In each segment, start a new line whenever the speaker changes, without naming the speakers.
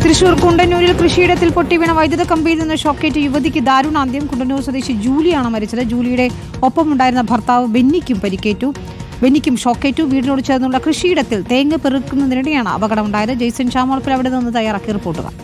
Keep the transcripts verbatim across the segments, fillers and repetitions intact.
തൃശൂർ കുണ്ടന്നൂരിൽ കൃഷിയിടത്തിൽ പൊട്ടി വീണ വൈദ്യുത കമ്പിയിൽ നിന്ന് ഷോക്കേറ്റ് യുവതിക്ക് ദാരുണാന്ത്യം. കുണ്ടന്നൂർ സ്വദേശി ജൂലിയാണ് മരിച്ചത്. ജൂലിയുടെ ഒപ്പമുണ്ടായിരുന്ന ഭർത്താവ് ബെന്നിക്കും പരിക്കേറ്റു. ബെന്നിക്കും ഷോക്കേറ്റു. വീടിനോട് ചേർന്നുള്ള കൃഷിയിടത്തിൽ തേങ്ങ പെറുക്കുന്നതിനിടെയാണ് അപകടമുണ്ടായത്. ജെയ്സൺ ചാമോളപ്പിൽ അവിടെ നിന്ന് തയ്യാറാക്കിയ റിപ്പോർട്ടുകൾ.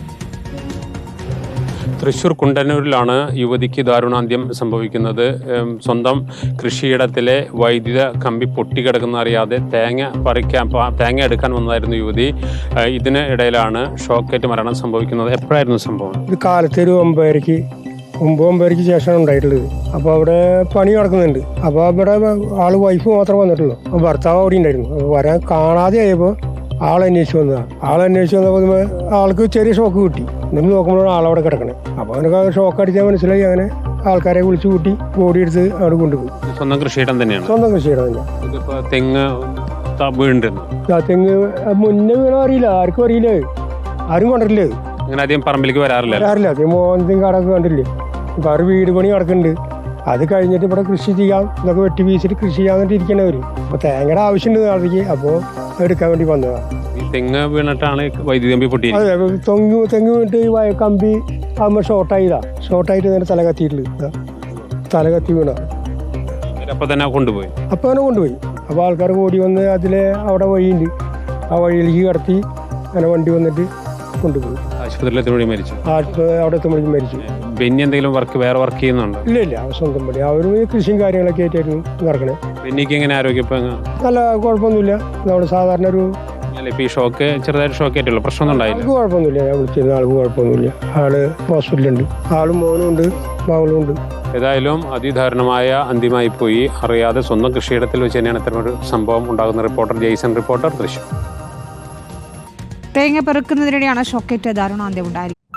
തൃശൂർ കുണ്ടന്നൂരിലാണ് യുവതിക്ക് ദാരുണാന്ത്യം സംഭവിക്കുന്നത്. സ്വന്തം കൃഷിയിടത്തിലെ വൈദ്യുത കമ്പി പൊട്ടിക്കിടക്കുന്ന അറിയാതെ തേങ്ങ പറിക്കാൻ തേങ്ങ എടുക്കാൻ വന്നതായിരുന്നു യുവതി. ഇതിന് ഇടയിലാണ് ഷോക്കേറ്റ് മരണം സംഭവിക്കുന്നത്. എപ്പോഴായിരുന്നു സംഭവം?
ഇത് കാലത്ത് ഒരു ഒമ്പതരയ്ക്ക് ഒമ്പത് ഒമ്പതരയ്ക്ക് ശേഷമാണ് ഉണ്ടായിട്ടുള്ളത്. അപ്പോൾ അവിടെ പണി നടക്കുന്നുണ്ട്. അപ്പോൾ അവിടെ ആള് വൈഫ് മാത്രമേ വന്നിട്ടുള്ളൂ. അപ്പോൾ ഭർത്താവ് അവിടെ ഉണ്ടായിരുന്നു. അപ്പോൾ വരാൻ കാണാതെ ആയപ്പോൾ ആളന്വേഷിച്ച് വന്നതാണ്. ആളന്വേഷിച്ച് വന്നപ്പോൾ ആൾക്ക് ചെറിയ ഷോക്ക് കിട്ടി. എന്നിട്ട് നോക്കുമ്പോഴാണ് ആളവിടെ കിടക്കണേ. അപ്പോൾ അവനക്ക് ഷോക്ക് അടിച്ചാൽ മനസ്സിലായി. അങ്ങനെ ആൾക്കാരെ വിളിച്ചു കൂട്ടി ബോഡി എടുത്ത് അവിടെ കൊണ്ടുപോയി.
സ്വന്തം കൃഷിയിടം തന്നെയാണ്.
സ്വന്തം കൃഷിയിടം തന്നെ.
തെങ്ങ് വീണ്ടിരുന്നു.
തെങ്ങ് മുന്നേ വീണോ അറിയില്ല, ആർക്കും അറിയില്ല, ആരും കണ്ടിട്ടില്ലേ.
അങ്ങനെ അധികം പറമ്പിലേക്ക് വരാറില്ല
വരാറില്ല. അതേ മോഹൻ കടക്ക് കണ്ടില്ലേ. ഇപ്പം അവർ വീട് പണി നടക്കുന്നുണ്ട്. അത് കഴിഞ്ഞിട്ട് ഇവിടെ കൃഷി ചെയ്യാം, ഇതൊക്കെ വെട്ടി വീശിട്ട് കൃഷി ചെയ്യാന്നിട്ട് ഇരിക്കണവർ. അപ്പോൾ തേങ്ങയുടെ ആവശ്യമുണ്ട് നാളേക്ക്. അപ്പോൾ എടുക്കാൻ വേണ്ടി വന്നതാണ്.
തെങ്ങ് വീണിട്ടാണ് വൈദ്യുതി കമ്പി പൊട്ടി.
അതെ, തെങ്ങ് തെങ്ങ് വീണിട്ട് ഈ കമ്പി ആകുമ്പോൾ ഷോർട്ടായതാ. ഷോർട്ടായിട്ട് നേരെ തല കത്തിയിട്ടില്ല. തല കത്തി വീണ
അപ്പൊ തന്നെ കൊണ്ടുപോയി.
അപ്പോൾ അങ്ങനെ കൊണ്ടുപോയി. അപ്പോൾ ആൾക്കാർ ഓടി വന്ന് അതിലെ അവിടെ വഴിയുണ്ട്, ആ വഴിയിലേക്ക് കടത്തി അങ്ങനെ വണ്ടി വന്നിട്ട് കൊണ്ടുപോയി.
ആശുപത്രിയിൽ മരിച്ചു.
അവിടെ എത്തുമ്പോഴേക്കും മരിച്ചു.
ബെന്നി എന്തെങ്കിലും വർക്ക് വേറെ വർക്ക് ചെയ്യുന്നുണ്ടോ?
ഇല്ല ഇല്ല, സ്വന്തം പണി. അവരും കൃഷിയും കാര്യങ്ങളൊക്കെ ആയിട്ടായിരുന്നു നടക്കണേ.
ബെന്നിക്ക് എങ്ങനെ ആരോഗ്യം?
നല്ല കുഴപ്പമൊന്നുമില്ല. നമ്മൾ സാധാരണ ഒരു
ഈ ഷോക്ക് ചെറുതായിട്ട് ഷോക്ക് ആയിട്ടുള്ള പ്രശ്നമൊന്നും ഉണ്ടായില്ല.
ആൾക്ക് കുഴപ്പമൊന്നുമില്ല. ഞാൻ വിളിച്ചിരുന്ന ആൾക്ക് കുഴപ്പമൊന്നുമില്ല. ആള് ഹോസ്പിറ്റലുണ്ട്. ആളും മോനും ഉണ്ട്, മകളും ഉണ്ട്.
ഏതായാലും അതിദാരുണമായ അന്ത്യമായി പോയി. അറിയാതെ സ്വന്തം കൃഷിയിടത്തിൽ വെച്ച് തന്നെയാണ് ഇത്തരമൊരു സംഭവം ഉണ്ടാകുന്ന. Reporter Jaison, reporter Thrissur.
തേങ്ങ പെറുക്കുന്നതിനിടെയാണ് ഷോക്കേറ്റ് ദാരുണാന്ത്യം ഉണ്ടായിരിക്കുന്നത്.